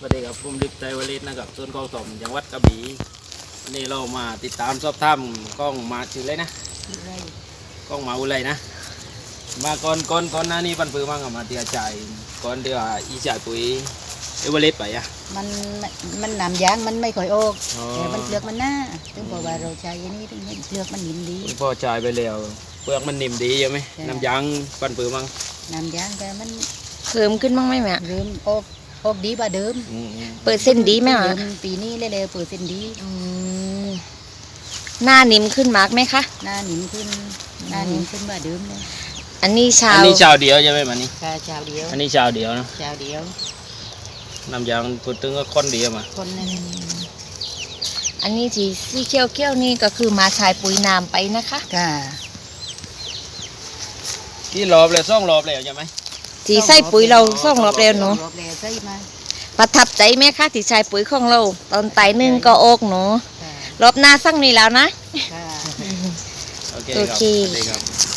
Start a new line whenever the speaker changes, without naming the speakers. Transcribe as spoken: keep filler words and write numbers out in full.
สวัสดีครับผมลิปไตวลิศนะครับส่วนกองสมจังหวัดกระบี่วันนี้เรามาติดตามสอบถามกล้องมาชื่ออะไรนะกล้องมาอุไรนะมาก่อนก่อนก่อนหน้านี้ปันปือมั่งกับมาเตียใจก่อนเดียวอีจ่ายปุ๋ยเอเวอเรสต์ไปอ่ะ
มันมันน้ำยางมันไม่ค่อยออก
อ๋อ
แต่มันเปลือกมันหน้าถึงบอกว่าเราใช้อันนี้ถึงเห็นเปลือกมันนิ่มดี
พอจ่ายไปแล้วเปลือกมันนิ่มดีใช่ไหม
ใช่
น้ำยางปันปือมั่ง
น้ำยางแต่มัน
เพิ่มขึ้นบ้างไหมแม่
เริ่มออกออกดีกว่าเดิม
อืมอืม
เปิดเส้นดีไหมอ่ะ
เดิมปีนี้เร็วๆเปิดเส้นดี
อืมหน้านิ่มขึ้นมากไหมคะ
หน้านิ่มขึ้นหน้านิ่มขึ้นกว่าเดิมเลย
อันนี้ชา
อัน
ว
นี้ชาวเดียวใช่ไหมมันนี่
ชาชาวเดียว
อันนี้ชาวเดียวนะ
ชาวเดียว
น้ำยางพูดถึงก็ค้นเดียวมา
คนนึง
อันนี้ที่สีเขียวเขียวๆนี่ก็คือมาใช้ปุ๋ยน้ำไปนะคะ
ค่ะ
ที่รอบเลยซ่องรอบเลยใช่ไหม
ที่ใส่ปุ๋ยเราส่องรอบเร็วหนู
รอบแล้วใช่ไหม
ประทับใจไหมคะที่ใช้ปุ๋ยของเรา ตอนไต่หนึ่งก็โอกหนู
ค่ะ
รอบหน้าสั่งนี่แล้วนะ
ค่ะ
โอเค
โอ
ครับ
เค
สวัสดีครับ